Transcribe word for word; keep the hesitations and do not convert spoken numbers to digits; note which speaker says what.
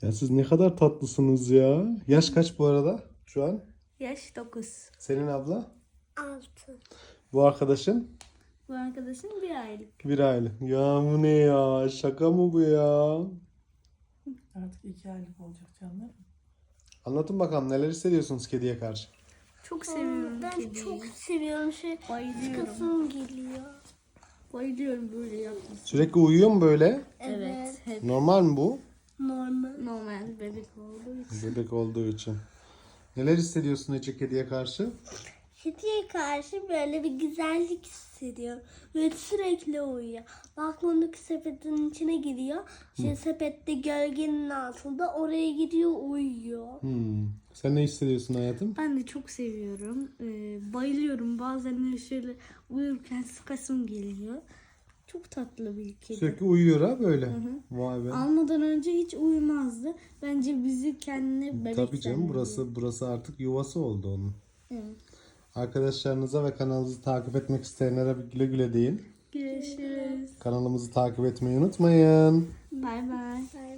Speaker 1: Ya siz ne kadar tatlısınız ya. Yaş kaç bu arada şu an?
Speaker 2: Yaş dokuz.
Speaker 1: Senin abla?
Speaker 3: Altı.
Speaker 1: Bu arkadaşın?
Speaker 2: Bu arkadaşım bir aylık.
Speaker 1: Bir aylık. Ya bu ne ya? Şaka mı bu ya?
Speaker 4: Artık iki aylık olacak canlarım.
Speaker 1: Anlatın bakalım neler hissediyorsunuz kediye karşı?
Speaker 2: Çok seviyorum
Speaker 3: Ben
Speaker 2: kediyi.
Speaker 3: çok seviyorum. Şey,
Speaker 2: Bayılıyorum.
Speaker 3: kafam geliyor.
Speaker 2: Bayılıyorum böyle yapması.
Speaker 1: Sürekli uyuyor mu böyle?
Speaker 2: Evet. Hep
Speaker 1: Normal mi bu?
Speaker 3: Normal.
Speaker 2: normal bebek olduğu için.
Speaker 1: Bebek olduğu için. Neler hissediyorsun Ece kediye karşı?
Speaker 3: Kediye karşı böyle bir güzellik hissediyorum. Böyle sürekli uyuyor. Balkondaki sepetin içine giriyor. Şey, sepette gölgenin altında oraya gidiyor uyuyor.
Speaker 1: Hmm. Sen ne hissediyorsun hayatım?
Speaker 2: Ben de çok seviyorum. Ee, bayılıyorum. Bazen de şöyle uyurken sıkasım geliyor. Çok tatlı bir kedi.
Speaker 1: Sürekli uyuyor ha böyle. Vay be.
Speaker 2: Almadan önce hiç uyumazdı. Bence bizi kendine bebek
Speaker 1: Tabii canım
Speaker 2: zannediyor.
Speaker 1: burası burası artık yuvası oldu onun.
Speaker 2: Evet.
Speaker 1: Arkadaşlarınıza ve kanalımızı takip etmek isteyenlere bir güle güle deyin.
Speaker 2: Görüşürüz.
Speaker 1: Kanalımızı takip etmeyi unutmayın.
Speaker 2: Bay bay.
Speaker 3: Bye.